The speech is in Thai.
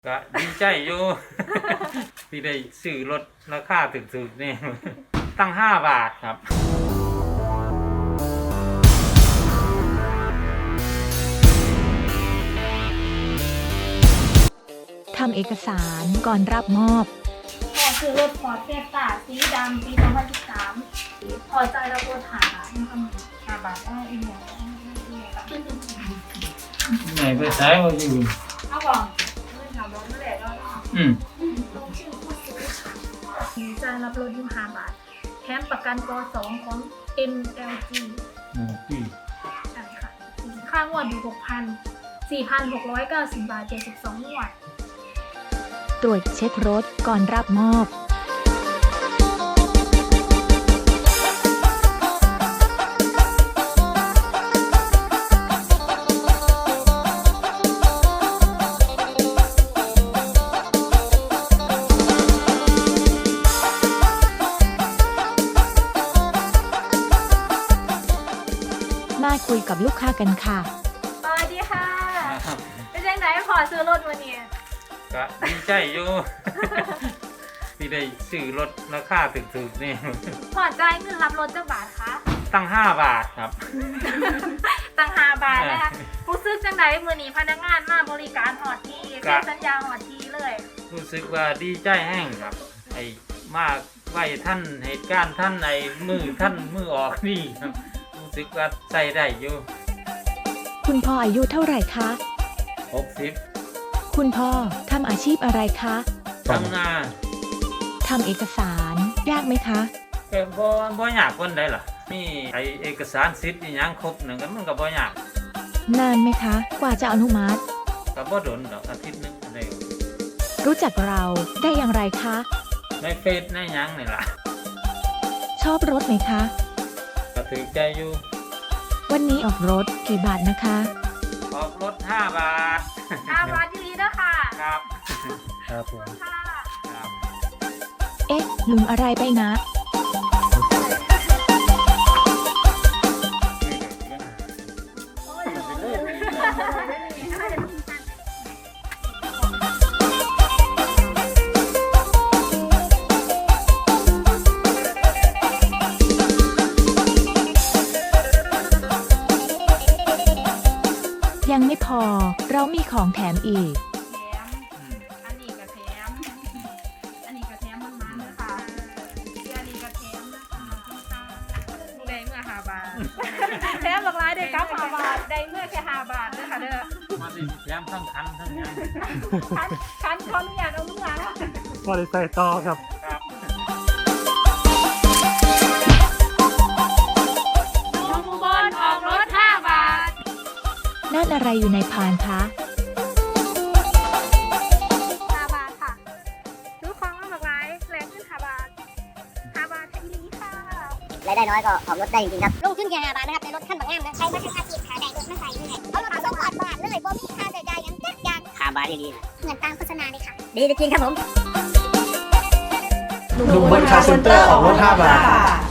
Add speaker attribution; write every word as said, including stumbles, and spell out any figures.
Speaker 1: ก็ดีใจอยู่ที่ได้ซื้อรถราคาถูกๆนี่ตั้งห้าบาทครับ
Speaker 2: ทำเอกสารก่อนรับมอบ
Speaker 3: พอซื้อรถฟอร์ดเฟสต้าสีดำปีสองพันสิบสามพอใจเราโดนหาหาบาทได้อีกอย่าง
Speaker 1: ไหนไปใช้มาอยู่
Speaker 3: เอาก่อนเมื่อถามรถเมื่อไหร่ก็
Speaker 1: อืม
Speaker 3: ลงชื่อผู้ซื้อค่ะจะรับรถอยู่หาบาทแถมประกันกสองของ เอ็ม แอล จี
Speaker 1: อืมพี่
Speaker 3: ใช่ค่ะค่างวดอยู่หกพันสี่พันหกร้อยเก้าสิบบาทเจ็ดสิบสองงวด
Speaker 2: ตรวจเช็ครถก่อนรับมอบมาคุยกับลูกค้ากันค่ะ
Speaker 3: สวัสดีค่ะเป็นยังไงพอซื้อรถวันนี้
Speaker 1: ก็ดีใจอยู่ที่ได้ซื้อรถราคาถูกๆนี่
Speaker 3: พอใจเงินรับรถจะบาทคะ
Speaker 1: ตั้งห้าบาทครับ
Speaker 3: ตั้งห้าบาทนะคะผู้ซื้อจังไดมือนี้พนักงานมาบริการหอดทีเซ็นสัญญาหอดทีเลย
Speaker 1: รู้สึกว่าดีใจแห้งครับไอ้มากไว้ท่านเหตุการณ์ท่านไอ้มือท่านมือออกนี่ครับรู้สึกว่าใจได้อยู่
Speaker 2: คุณพ่ออายุเท่าไหร่คะ
Speaker 1: หกสิบ
Speaker 2: คุณพ่อทำอาชีพอะไรคะ
Speaker 1: ทำนา
Speaker 2: ทำเอกสารยากไหมคะ
Speaker 1: เออบ่บ่ยากคนใดล่ะมีไอเอกสารสิทธิ์อีหยังครบหนึ่งก็มันก็บ่ยาก
Speaker 2: นานไหมคะกว่าจะอนุมัติ
Speaker 1: ก็บ่โดนดอกอาทิตย์นึงได้
Speaker 2: รู้จักเราได้อย่างไรคะ
Speaker 1: ในเฟซในหยังนี่ล่ะ
Speaker 2: ชอบรถไหมคะ
Speaker 1: ก็ถือใจอยู่
Speaker 2: วันนี้ออกรถกี่บาทนะคะ
Speaker 1: ออกรถห้าบาท
Speaker 3: ห้าบาทดีๆนะคะ
Speaker 1: ครับครับผม
Speaker 3: ครับ
Speaker 2: เอ๊ะลืมอะไรไปนะยังไม่พอเรามีของแถมอีก
Speaker 3: แถมอันนี้ก็แถมอันนี้ก็แถมมันมันเลยค่ะอันนี้ก็แถมนะคะได้เมื่อห้าบาทแถมหลากหลายได้เก้าห้าบาทได้เมื่อแค่ห้าบาทนะคะเด้อ
Speaker 1: มาดิแถมทั้งคันทั้งยัง
Speaker 3: คันคันขออนุญาตเอาลูกหลาน
Speaker 4: พอได้ใส่ต่อครับ
Speaker 1: ครับ
Speaker 3: น้องบอลออกรถห้าบาท
Speaker 2: นั่นอะไรอยู่ในพานคะ
Speaker 3: ห้าบาทค่ะซื้อของมาหลากหลายแรงขึ้นห้าบาทห้าบาทแค่นี้ค่ะ
Speaker 5: รายได้น้อยก็ออกรถได้จริงๆครับลงทุนแค่ห้าบาทนะครับในรถขั้นบางงามนะใช้มาทั้งอาชีพหาได้รถไม่ใส่เงินเอารถมาส่งก่อนบาทเลยบ่มีค่าใช้จ่ายยังจักอย่างห้าบาทดีๆเหมือนตามโฆษณาเลยค่ะดีจริงๆครับผม
Speaker 4: ดูบนคาร์เซ็นเตอร์ออกรถห้าบาท